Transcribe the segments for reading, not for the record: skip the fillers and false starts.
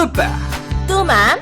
뚜빠 뚜맘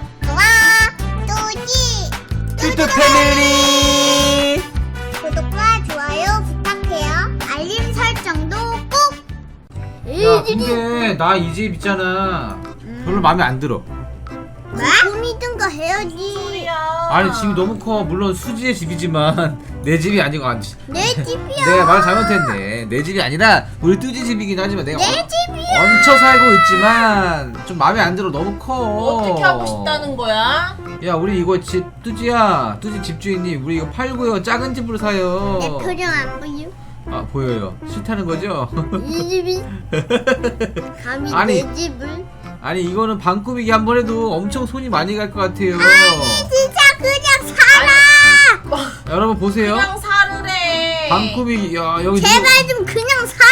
뚜지 뚜뚜 패밀리. 구독과 좋아요 부탁해요. 알림 설정도 꼭. 야 근데 나 이 집 있잖아 별로 마음에 안 들어. 꿈이든가 해야지. 아니 집이 너무 커. 물론 수지의 집이지만 내 집이 아니고 내 집이야. 내가 말 잘못했네. 내 집이 아니라 우리 뚜지 집이긴 하지만 내가 내 집이야. 얹혀 살고 있지만 좀 마음에 안 들어. 너무 커. 어떻게 하고 싶다는 거야? 야 우리 이거 집 뚜지야, 뚜지 집주인님 우리 이거 팔고요 작은 집으로 사요. 내 표정 안 보여? 아 보여요. 싫다는 거죠? 이 집이 감히 아니. 내 집을? 아니 이거는 방 꾸미기 한 번 해도 엄청 손이 많이 갈 것 같아요. 진짜 그냥 살아. 여러분 보세요. 그냥 사르래. 방 꾸미기. 야 여기 제발 좀 그냥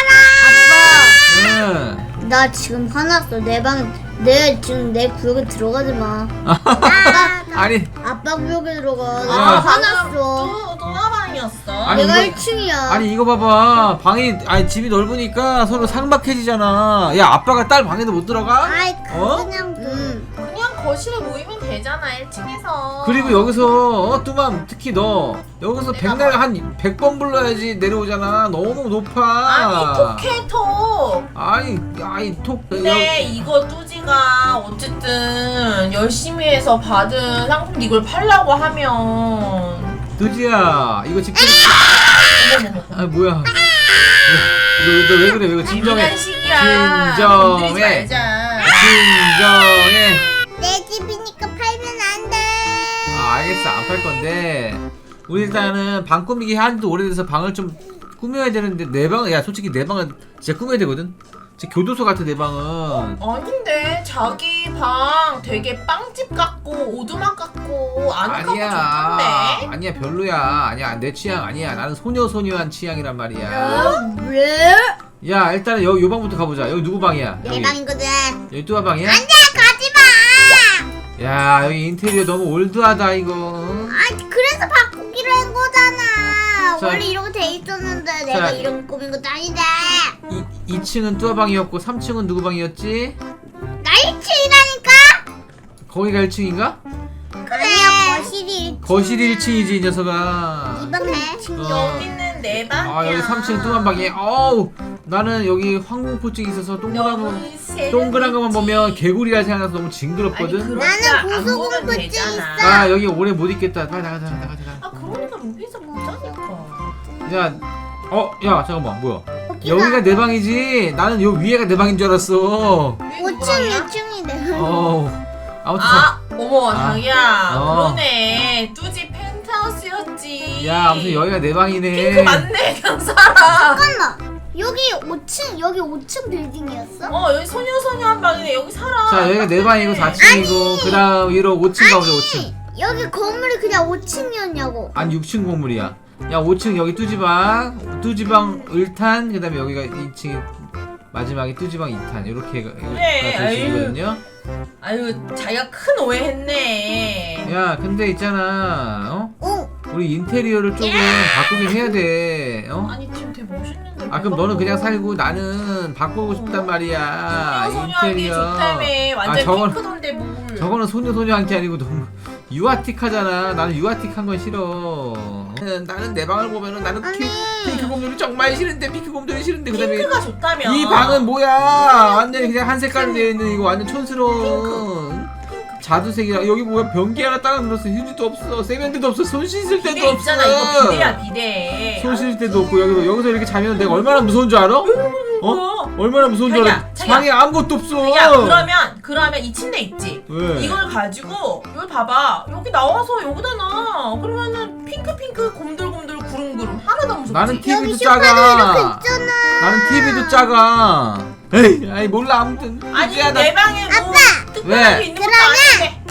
살아. 네. 나 지금 화났어. 내 지금 내 구역에 들어가지 마. 아니 아빠 구역에 들어가. 나 야. 화났어. 동화방이었어. 아니, 내가 이거- 1층이야. 아니 이거 봐봐. 방이 아니 집이 넓으니까 서로 삭막해지잖아. 야 아빠가 딸 방에도 못 들어가? 아이 어? 그냥 그냥 거실에 모이면 되잖아 1층에서. 그리고 여기서 뚜맘 특히 너 여기서 내가 백날 뭐- 한 100번 불러야지 내려오잖아. 너무 높아. 아니 톡해 톡. 아니 톡. 근데 이거 뚜지가 어쨌든 열심히 해서 받은 상품 이걸 팔라고 하면 뚜지야 이거 집주인. 어머머머. 아 뭐야? 너 왜 그래? 왜 그래? 진정해. 장난 시기야. 진정해. 건드리지 말자. 진정해. 내 집이니까 팔면 안 돼. 아 알겠어 안 팔 건데 우리 일단은 방 꾸미기 한지도 오래돼서 방을 좀 꾸며야 되는데 내 방은 야 솔직히 내 방은 진짜 꾸며야 되거든. 진짜 교도소 같아 내 방은. 아닌데 자기 방 되게 빵집 같고 오두막 같고 아늑하고 좋던데. 아니야 별로야. 아니야 내 취향 아니야. 나는 소녀소녀한 취향이란 말이야. 왜? 야 일단은 요 방부터 가보자. 여기 누구 방이야? 내 방이거든. 여기 뚜아 방이야? 안돼 가지 마. 야 여기 인테리어 너무 올드하다 이거. 아 그래서 바꾸기로 한 거잖아. 자. 원래 이렇게 돼 있었는데 내가 이런 거 꾸민 것도 아닌데. 2층은 뚜아 방이었고 3층은 누구 방이었지? 나 1층이라니까. 거기가 1층인가? 아니야 거실이 거실이 1층이지 이 녀석아. 이방에. 여기는 내 방이야. 아 여기 3층 뚜아 방이. 어우 나는 여기 황공포증이 있어서 동그란 거만 보면 개구리라 생각나서 너무 징그럽거든. 나는 고소공포증 있어. 아 여기 오래 못 있겠다. 빨리 나가자. 아 그러니까 여기서 보자니까. 야 야 잠깐만 뭐야? 여기가 내 방이지. 나는 요 위에가 내 방인 줄 알았어. 5층 2층이네. 아무튼 어머 아. 자기야 어. 그러네 뚜지 펜트하우스였지. 야 아무튼 여기가 내 방이네. 핑크 맞네 그냥 살아. 잠깐만. 여기 5층 빌딩이었어? 여기 소녀소녀 한 방이네 여기 살아. 자 여기가 내 방이고 4층이고 그 다음 위로 5층 가보자 5층. 여기 건물이 그냥 5층이었냐고. 아니 6층 건물이야. 야 5층 여기 뚜지방 을탄 그 다음에 여기가 2층 마지막에 뚜지방 2탄 이렇게가 그래, 되시거든요. 아유 자기가 큰 오해했네. 야 근데 있잖아 오. 우리 인테리어를 조금 바꾸긴 해야 돼. 아니 지금 되게 멋있는데. 아 그럼 너는 그냥 살고 나는 바꾸고 싶단 말이야. 소녀소녀하게 좋다며 완전 저건- 핑크던데 뭘. 저거는 소녀소녀한 게 아니고 너무 유아틱하잖아. 나는 유아틱한 건 싫어. 나는 내 방을 보면은 나는 핑크 곰돌이 정말 싫은데 핑크 곰돌이 싫은데 그다음에 핑크가 좋다며. 이 방은 뭐야? 완전히 그냥 한 색깔로 되어 있는 이거 완전 촌스러운 자두색이라. 여기 뭐야? 변기 하나 따라 눌렀어. 휴지도 없어. 세면대도 없어. 손 씻을 때도 비데 없어. 있잖아 이거 비데야 비데. 손 씻을 때도 없고 여기서 이렇게 자면 내가 얼마나 무서운 줄 알아? 얼마나 무서운 줄 알아? 자기야. 방에 아무것도 없어. 야 그러면 이 침대 있지. 왜? 이걸 가지고 여기 봐봐 여기 나와서 여기다 놔. 그러면은 핑크 곰돌곰돌 구름구름 하나도 안 무섭지. 나는 여기 TV도 소파도 작아. 이렇게 있잖아. 나는 TV도 작아. 에이, 아니 몰라 아무튼. 아니 야, 내 방에 뭐 아빠! 특별한 게 왜? 있는 것도 아닌데.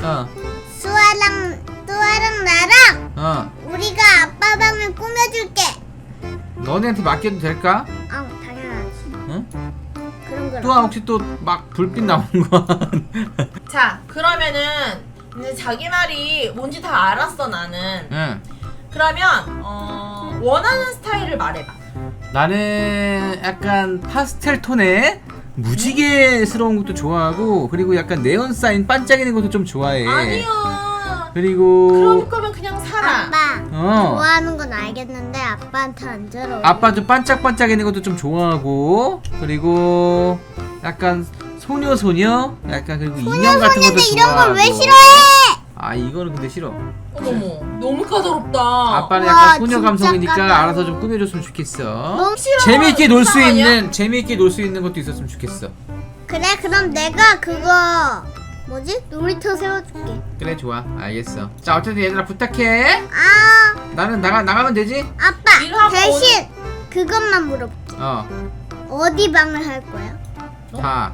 수아랑 나랑 어. 우리가 아빠 방을 꾸며줄게. 너네한테 맡겨도 될까? 아 당연하지. 응? 그런 거. 또 혹시 또 막 불빛 나오는 거? 자 그러면은 이제 자기 말이 뭔지 다 알았어 나는. 응. 그러면 원하는 스타일을 말해봐. 나는 약간 파스텔 톤의 무지개스러운 것도 좋아하고 그리고 약간 네온 사인 반짝이는 것도 좀 좋아해. 아니야. 그리고 그럴 거면 그냥 살아. 아빠 어. 좋아하는 건 알겠는데 아빠한테 안 잘 어울려. 아빠 좀 반짝반짝이는 것도 좀 좋아하고 그리고 약간 소녀 약간 그리고 인형 같은 것도 소녀소녀인데 이런 좋아하고. 걸 왜 싫어해? 아 이거는 근데 싫어. 어머머, 너무 까다롭다. 아빠는 우와, 약간 소녀 진짜 감성이니까 까다로워. 알아서 좀 꾸며줬으면 좋겠어. 너무 싫어. 재미있게 놀 수 이상하냐? 있는 재미있게 놀 수 있는 것도 있었으면 좋겠어. 그래 그럼 내가 그거 뭐지? 놀이터 세워줄게. 그래 좋아 알겠어. 자 어쨌든 얘들아 부탁해. 아 나는 나가면 되지? 아빠 일하고 대신 그것만 물어볼게. 어디 방을 할 거야? 다.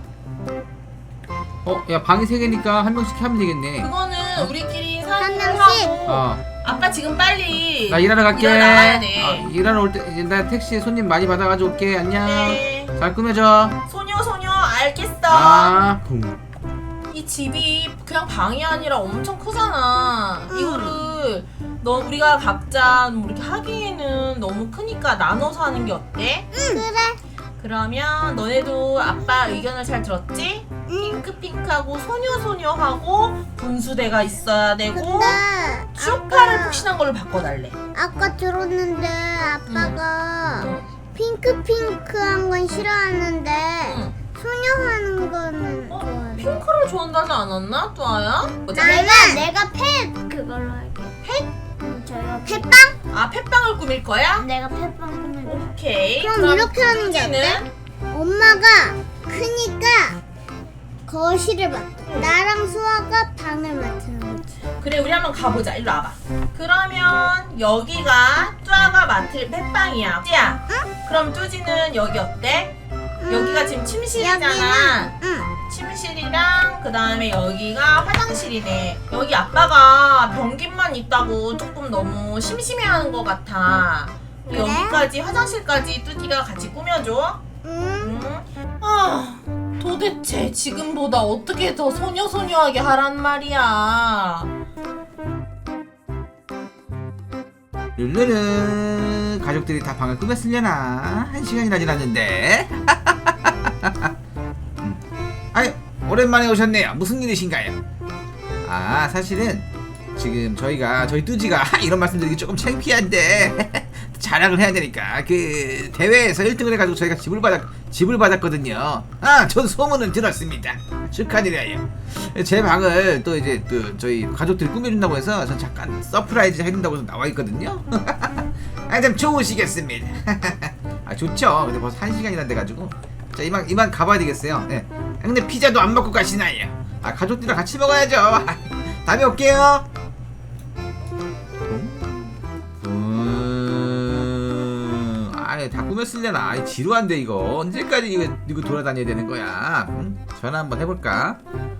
야 방이 3개니까 한 명씩 하면 되겠네. 그거는 우리끼리 한 상의를 명씩? 하고. 아빠 지금 빨리 나 일하러 갈게. 일하러 나가야 돼. 일하러 올 때 나 택시에 손님 많이 받아가지고 올게. 안녕. 네. 잘 꾸며줘. 소녀 알겠어. 붕. 이 집이 그냥 방이 아니라 엄청 크잖아. 이거를 우리가 각자 뭐 이렇게 하기에는 너무 크니까 나눠서 하는 게 어때? 그래. 그러면 너네도 아빠 의견을 잘 들었지? 핑크하고 소녀하고 분수대가 있어야 되고 근데 쇼파를 아까- 푹신한 걸로 바꿔달래. 아까 들었는데 아빠가 핑크한 건 싫어하는데 응. 소녀 하는 거는 좋아해. 핑크를 좋아한다지 않았나? 뚜아야? 내가 펫 그걸로 할게. 펫? 저희가 펫빵? 아 펫빵을 꾸밀 거야? 내가 펫빵 꾸밀게. 오케이. 그럼 이렇게 하는 게 뚜지는? 어때? 엄마가 크니까 거실을 맡아. 나랑 수아가 방을 맡는 거지. 그래 우리 한번 가보자. 일로 와봐. 그러면 여기가 뚜아가 맡을 펫빵이야. 뚜야. 그럼 뚜지는 여기 어때? 여기가 지금 침실이잖아. 응. 침실이랑 그 다음에 여기가 화장실이네. 여기 아빠가 변기만 있다고 조금 너무 심심해하는 것 같아. 그래? 여기까지 화장실까지 뚜지가 같이 꾸며줘. 응. 아 도대체 지금보다 어떻게 더 소녀하게 하란 말이야. 룰루는 가족들이 다 방을 꾸몄으려나? 1시간이나 지났는데. 아유 오랜만에 오셨네요. 무슨 일이신가요? 아 사실은 지금 저희 뚜지가 이런 말씀드리기 조금 창피한데 자랑을 해야 되니까 그 대회에서 1등을 해가지고 저희가 집을 받았거든요. 전 소문은 들었습니다. 축하드려요. 제 방을 또 이제 저희 가족들이 꾸며준다고 해서 전 잠깐 서프라이즈 해준다고 해서 나와 있거든요. 참 좋으시겠습니다. 좋죠. 근데 벌써 1시간이나 돼가지고 자 이만 가봐야 되겠어요. 네. 근데 피자도 안 먹고 가시나요? 가족들이랑 같이 먹어야죠. 다음에 올게요. 다 꾸몄으려나? 지루한데 이거 언제까지 이거 돌아다녀야 되는 거야? 전화 한번 해볼까?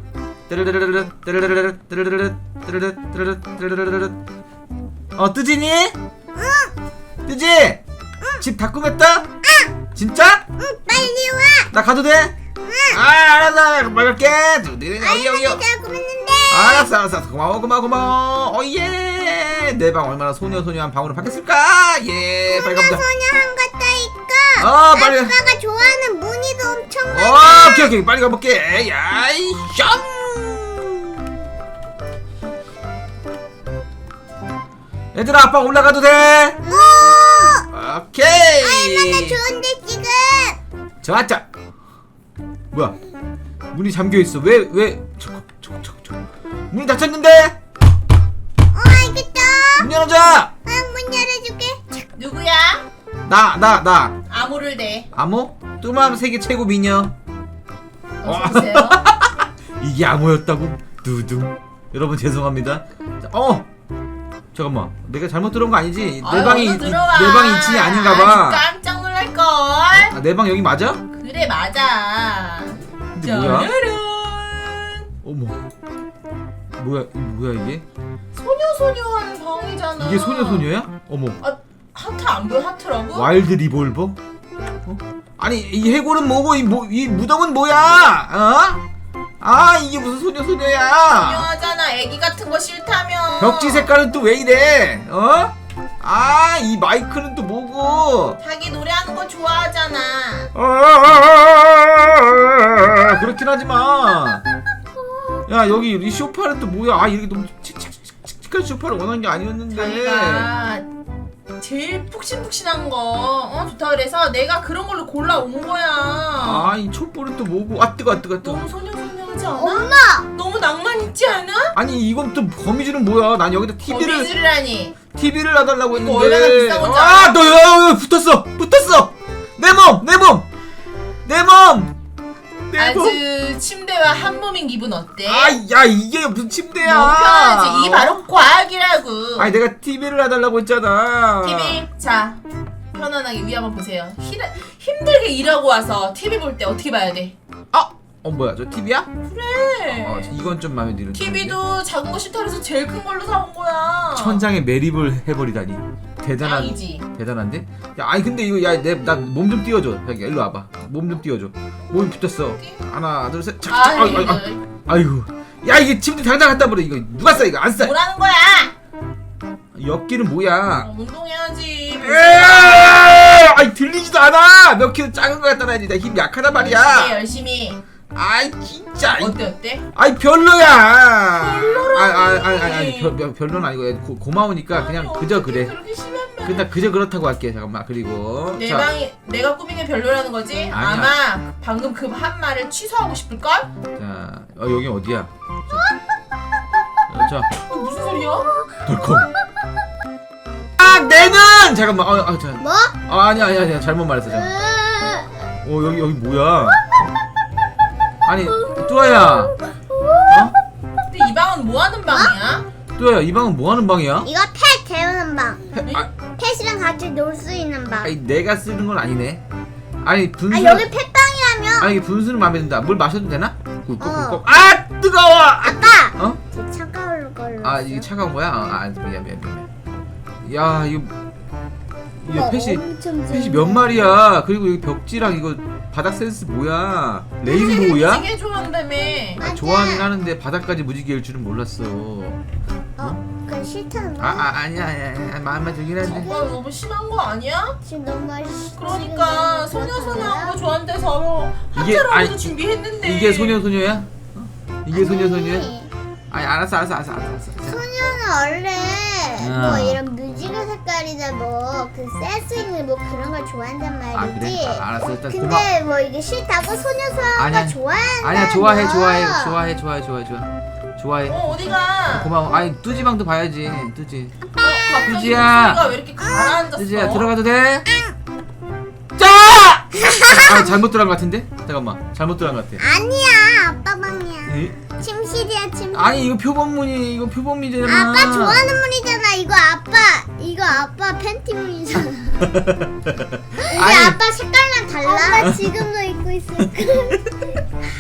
뜨지니? 응. 뜨지? 집 다 꾸몄다? 응. 진짜? 응, 빨리 와. 나 가도 돼? 응. 알았어. 말할게. 여기. 잘 꾸몄는데. 알았어. 고마워. 예. 내 방 얼마나 소녀한 방으로 바뀌었을까? 예. 빨리 가보자. 소녀한 것다니까. 빨리. 아빠가 좋아하는 무늬도 엄청 많아. 오케이. 빨리 가볼게. 야이 숑. 얘들아 아빠 올라가도 돼? 오케이. 얼마나 좋은데 지금. 좋았죠. 뭐야? 문이 잠겨 있어. 왜? 저거. 문이 닫혔는데? 알겠다. 문 열어줘. 문 열어줄게. 누구야? 나. 암호를 대. 암호? 뚜맘 세계 최고 미녀. 어서오세요. 이게 암호였다고? 두둥. 여러분 죄송합니다. 잠깐만. 내가 잘못 들어온 거 아니지? 내 방이 2층이 아닌가봐. 깜짝 놀랄걸. 내 방 여기 맞아? 그래 맞아. 근데 뭐야? 짜르르. 어머. 뭐야 이게? 소녀하는 방이잖아. 이게 소녀야? 어머. 하트 안 보여? 하트라고? 와일드 리볼버? 아니 이 해골은 뭐고 이 무덤은 뭐야? 이게 무슨 소녀야? 소녀하잖아. 애기 같은 거 싫다며. 벽지 색깔은 또 왜 이래? 아, 이 마이크는 또 뭐고? 자기 노래하는 거 좋아하잖아. 그렇긴 하지만. 야, 여기 이 소파는 또 뭐야? 아, 이렇게 너무 칙칙칙칙한 소파를 원하는 게 아니었는데. 자기가 제일 푹신푹신한 거 좋다 그래서 내가 그런 걸로 골라온 거야. 아, 이 촛불은 또 뭐고? 아, 뜨거. 너무 소녀소녀하지 않아? 엄마. 너무 낭만 있지 않아? 아니, 이건 또 거미줄은 뭐야? 난 여기다 거미줄이라니. TV를 놔달라고 이거 했는데. 얼마나 비싼 건지 아, 알아? 너 붙었어. 내 몸. 아주 침대와 한 몸인 기분 어때? 아, 야, 이게 무슨 침대야? 너무 편하지. 이게 바로 과학이라고. 아니, 내가 TV를 놔달라고 했잖아. TV 자 편안하게 위 한번 보세요. 힘들게 일하고 와서 TV 볼 때 어떻게 봐야 돼? 아, 뭐야? 저 TV야? 그래. 이건 좀 마음에 드는. TV도 작은 거 싫다 그래서 제일 큰 걸로 사온 거야. 천장에 매립을 해버리다니. 짱이지. 대단한데? 야, 아니 근데 이거 나 몸 좀 띄워줘. 자기야, 일로 와봐. 몸 좀 띄워줘. 몸이 붙었어. 하나, 둘, 셋. 아이고. 야, 이게 침대 당장 갖다 버려. 이거 누가 싸? 이거 안 싸. 뭐라는 거야? 옆길은 뭐야? 운동해야지. 아이, 들리지도 않아. 몇 킬로 작은 거 갖다 놔야지. 나 힘 약하단 말이야. 열심히. 아이, 진짜. 어때? 아이, 별로야. 별로라니. 아니, 별로는 아니고 고마우니까 그냥 그저 그래. 그렇게 심하면. 근데 그저 그렇다고 할게. 잠깐만. 그리고 내 자, 방이 내가 꾸민 게 별로라는 거지? 아니야. 아마 방금 그 한 말을 취소하고 싶을 걸? 자, 여기 어디야? 자, 무슨 소리야? 덜컹. 아, 내는 잠깐만. 자. 뭐? 아니야. 잘못 말했어. 잠깐. 여기 뭐야? 아니, 뚜아야. 근데 이 방은 뭐 하는 방이야? 뚜아야, 이 방은 뭐 하는 방이야? 이거 펫 재우는 방. 아, 펫이랑 같이 놀 수 있는 방. 아니, 내가 쓰는 건 아니네. 아니, 분수. 여기 펫방이라며. 아니, 이게 분수는 마음에 든다. 물 마셔도 되나? 꿀꺽꿀꺽. 어. 아, 뜨거워. 아빠. 어? 저 차가울 걸로. 아, 이게 차가운 거야? 미안. 야, 이거 펫이 몇 마리야? 그리고 여기 벽지랑 이거 바닥 센스 뭐야? 레인보우야? 되게 좋아한다며. 좋아하긴 하는데 바닥까지 무지개일 줄은 몰랐어. 그건 싫다는 거야? 아니야. 마음에 들긴 한데. 저거 너무 심한 거 아니야? 지금 너무 맛있어. 그러니까 소녀소녀한 거 좋아한대서 이게- 한자로 아니, 하고도 준비했는데. 이게 소녀야? 이게 소녀야? 아니, 아니, 알았어. 소녀는 원래 뭐 이런 뮤지컬 색깔이나 뭐그 센스 있는 뭐 그런 걸 좋아한단 말이지. 그래? 알았어. 일단 근데 뭐 이게 싫다고 소녀소녀가 아니야. 좋아한다. 아니야, 좋아해. 좋아해. 어디가? 고마워. 아니, 뚜지방도 봐야지. 뚜지. 갑자기 뚜지야. 목소리가 왜 이렇게 가라앉았어? 뚜지야, 들어가도 돼? 짜! 잘못 들어간 것 같은데? 잠깐만. 잘못 들어간 것 같아. 아니야, 아빠 방이야. 에이? 침실이야, 침실. 아니, 이거 표본문이잖아. 아빠 좋아하는 문이잖아. 이거 아빠 팬티문이잖아. 이게 아니. 아빠 색깔랑 달라. 아빠 지금도 입고 있을까?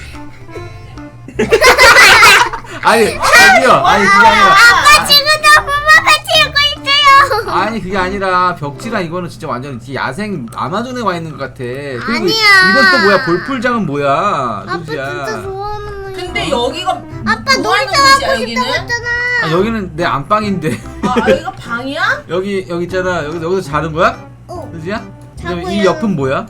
아니, 저기요. 아니, 그게 아니라. 아빠 지금도 엄마 팬티 입고 있어요. 아니, 그게 아니라 벽지랑 이거는 진짜 완전 야생 아마존에 와 있는 것 같아. 그리고 아니야. 이건 또 뭐야? 볼풀장은 뭐야? 아빠 뚜지야. 진짜 좋아하는 문이야. 근데 여기가 아빠 뭐 하는 놀이터 곳이야, 가고 여기는? 싶다고 했잖아. 여기는 내 안방인데. 여기가 방이야? 여기 있잖아. 여기서 자는 거야? 어, 뚜지야? 그다음에 자고요. 이 옆은 뭐야?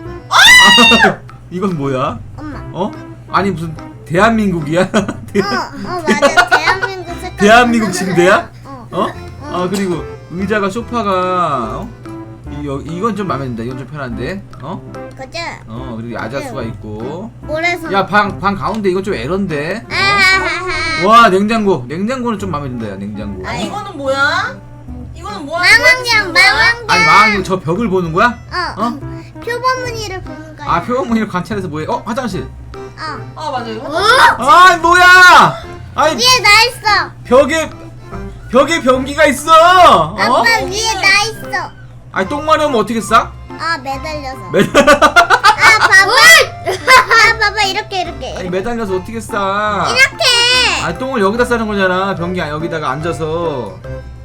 이건 뭐야? 엄마. 아니 무슨 대한민국이야? 맞아. 대한민국 색깔. 대한민국 침대야? 어. 그리고 의자가 소파가 이건 좀 마음에 든다. 이건 좀 편한데. 그치? 그리고 야자수가 있고. 모래성. 야, 방 가운데 이건 좀 에런데. 아하하하. 와, 냉장고는 좀 마음에 든다. 야, 냉장고. 이거는 뭐야? 이거는 뭐 하는 망원경, 거야? 망원경. 아니, 망원경 저 벽을 보는 거야? 표범무늬를 보는 거야. 표본문이를 관찰해서 뭐해? 화장실. 맞아 이거. 아, 뭐야? 아니, 위에 나 있어. 벽에 변기가 있어. 아빠 위에 나 있어. 아니, 똥 마려우면 어떻게 싸? 매달려서. 아, 봐봐 이렇게. 아니, 매달려서 어떻게 싸? 이렇게. 아니, 똥을 여기다 싸는 거잖아. 변기 여기다가 앉아서.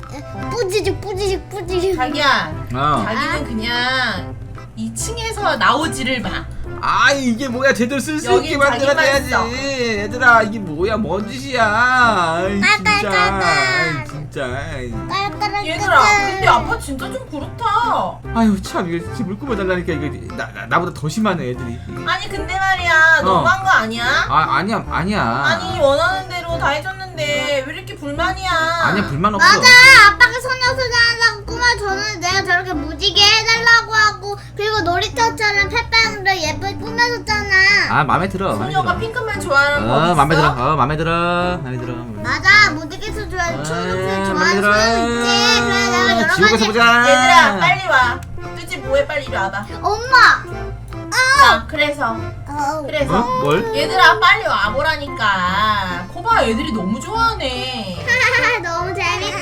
뿌지직. 자기야. 어. 자기는 그냥 2층에서 나오지를 마. 이게 뭐야? 제대로 쓸 수 여긴 있게 만들어야지. 자기만 얘들아, 이게 뭐야? 뭔 짓이야? 아이, 진짜. 깔깔깔깔. 아이, 진짜. 진짜. 까락까락. 얘들아 근데 아빠 진짜 좀 그렇다. 아유 참 이거 진짜 물 뿜어달라니까 이거 나보다 더 심하네 애들이. 아니 근데 말이야 너무한 거 아니야? 아니야. 아니 원하는 대로 다 해줬는데 왜 이렇게 불만이야? 아니야 불만 없어. 맞아. 아빠가 소녀소녀 하려고 꿈을 줬는데 내가 저렇게 무지개 해달라고 하고 그리고 놀이터처럼 펫빵으로 예쁘게 꾸며줬잖아. 아 마음에 들어. 소녀가 핑크만 좋아하는 거 있어? 마음에 들어. 마음에 들어. 맞아. 무지개도 좋아하고 초록색 마음에 좋아하는 들어. 소녀 있지. 그래 내가 여러 지옥에서 가지. 보자. 얘들아 빨리 와. 뚜지 뭐해 빨리 이리 와봐. 엄마. 자 그래서 뭘? 얘들아 빨리 와보라니까. 거봐 애들이 너무 좋아하네. 너무 재밌다.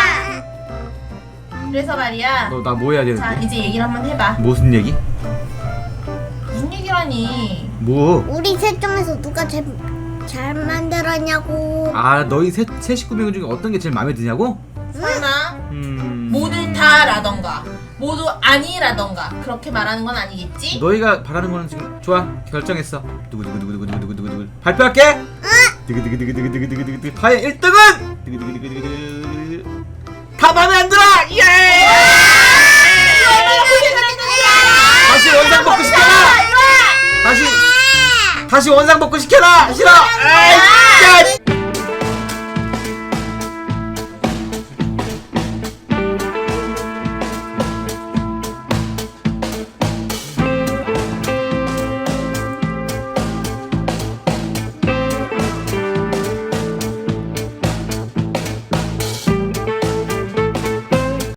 그래서 말이야. 너 나 뭐 해야 자 되는데? 이제 얘기를 한번 해봐. 무슨 얘기? 무슨 얘기라니? 뭐? 우리 셋 중에서 누가 제일 잘 만들었냐고. 아 너희 세 식구명 중에 어떤 게 제일 마음에 드냐고? 설마 음. 모두 다라던가 모두 아니라던가 그렇게 말하는 건 아니겠지? 너희가 바라는 거는 지금 좋아 결정했어. 누구 발표할게. 두구두구두구두구두구두구 파의 1등은 두구두구두구두구 다 마음에 안 들어. 예! 다시 원상 복구 시켜라. 다시 원상 복구 시켜라. 싫어. 아이,